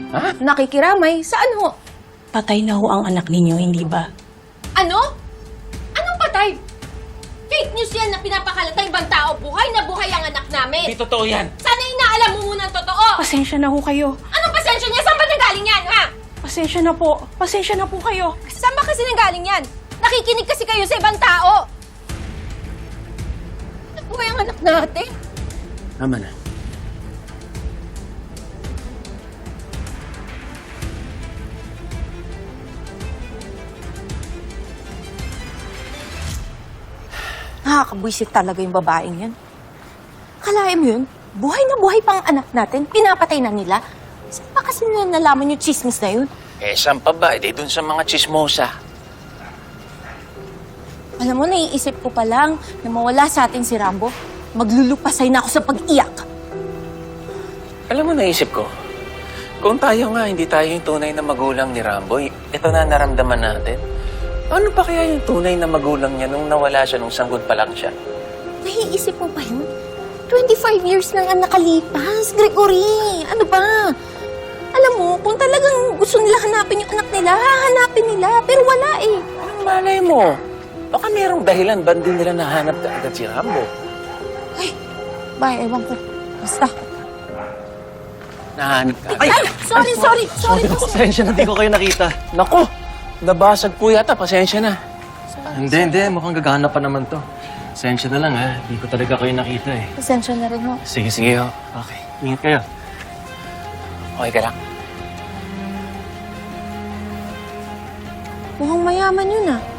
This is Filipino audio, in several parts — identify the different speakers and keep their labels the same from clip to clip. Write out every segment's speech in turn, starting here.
Speaker 1: Ha?
Speaker 2: Nakikiramay? Saan ho?
Speaker 3: Patay na ho ang anak ninyo, hindi ba?
Speaker 2: Ano? Anong patay? Fake news yan na pinapakalat ng ibang tao. Buhay na buhay ang anak namin.
Speaker 1: Hindi totoo yan.
Speaker 2: Sana inaalam mo muna ang totoo.
Speaker 3: Pasensya na ho kayo.
Speaker 2: Anong pasensya niya? Saan ba nanggaling yan, ha?
Speaker 3: Pasensya na po. Pasensya na po kayo.
Speaker 2: Saan ba kasi nanggaling yan? Nakikinig kasi kayo sa ibang tao. Buhay ang anak natin.
Speaker 1: Tama na.
Speaker 2: Nakakabwisit talaga yung babaeng yan. Kalahin mo yun, buhay na buhay pang anak natin, pinapatay na nila. Saan pa kasi nila nalaman yung chismis na yun?
Speaker 1: Eh, saan pa ba? Eh, dun sa mga chismosa.
Speaker 2: Alam mo, naiisip ko pa lang na mawala sa atin si Rambo. Maglulupasay na ako sa pag-iyak.
Speaker 1: Alam mo, naisip ko, kung tayo nga, hindi tayo yung tunay na magulang ni Ramboy, ito na naramdaman natin. Ano pa kaya yung tunay na magulang niya nung nawala siya, nung sanggol pa lang siya?
Speaker 2: Naiisip mo pa yun? 25 years lang ang nakalipas, Gregory. Ano ba? Alam mo, kung talagang gusto nila hanapin yung anak nila, hahanapin nila. Pero wala eh.
Speaker 1: Anong malay mo? Baka merong dahilan, ba't di nila nahanap agad si Rambo?
Speaker 2: Ay, ewan ko. Basta.
Speaker 1: Nahanap ka.
Speaker 2: Ay, sorry.
Speaker 4: Pasensya na, di ko kayo nakita.
Speaker 1: Nako, nabasag po yata. Pasensya na.
Speaker 4: Hindi. Mukhang gagana pa naman to. Pasensya na lang, ha. Di ko talaga kayo nakita, eh.
Speaker 2: Pasensya na rin ho.
Speaker 1: Sige, ho.
Speaker 4: Okay, ingat kayo.
Speaker 1: Okay ka lang?
Speaker 2: Mukhang mayaman yun ah.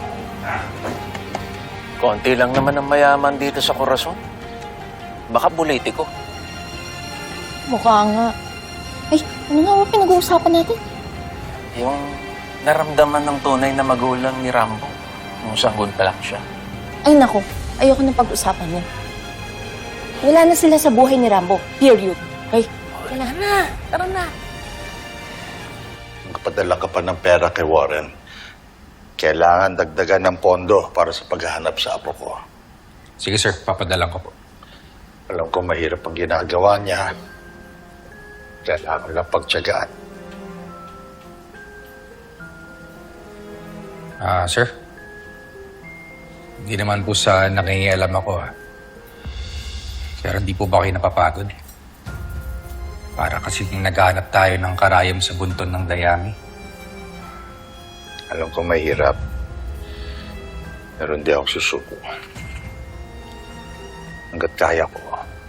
Speaker 1: Konti lang naman ang mayaman dito sa Corazon. Baka politiko.
Speaker 2: Mukha nga. Ay, ano nga ba pinag-uusapan natin?
Speaker 1: Yung naramdaman ng tunay na magulang ni Rambo nung sanggol pa lang siya.
Speaker 2: Ay nako, ayoko na pag-usapan yun. Wala na sila sa buhay ni Rambo. Period. Okay? Wala na. Tara na.
Speaker 5: Magpadala ka pa ng pera kay Warren. Kailangan dagdagan ng pondo para sa paghahanap sa apo ko.
Speaker 6: Sige sir, papadalang ko po.
Speaker 5: Alam ko mahirap ang ginagawa niya. Kailangan lang pagtiyagaan.
Speaker 6: Sir? Hindi naman po sa nakingialam ako, ha. Pero hindi po ba kayo napapagod? Para kasi naghahanap tayo ng karayom sa bunton ng dayami.
Speaker 5: Alam ko mahirap. Pero hindi ako susuko. Hanggat kaya ko.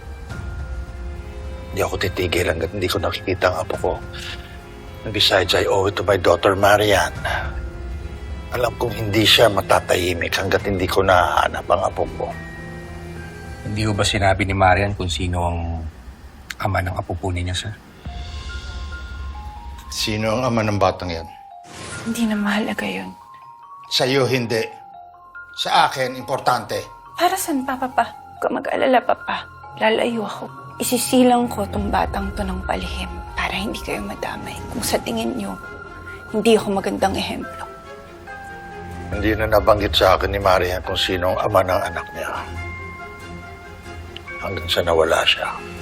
Speaker 5: Hindi ako titigil hanggat hindi ko nakikita ang apo ko. And besides, I owe it to my daughter, Marian. Alam kong hindi siya matatahimik hanggat hindi ko nahahanap ang apo ko.
Speaker 6: Hindi ho ba sinabi ni Marian kung sino ang ama ng apo po niya, sir?
Speaker 5: Sino ang ama ng batang yan?
Speaker 3: Hindi na mahalaga yun.
Speaker 5: Sa'yo, hindi. Sa akin, importante.
Speaker 3: Para saan, Papa? Huwag ka mag-alala, Papa. Lalayo ako. Isisilang ko tong batang to ng palihim para hindi kayo madamay. Kung sa tingin nyo, hindi ako magandang ehemplo.
Speaker 5: Hindi na nabanggit sa akin ni Marian kung sino ang ama ng anak niya. Hanggang sa nawala siya.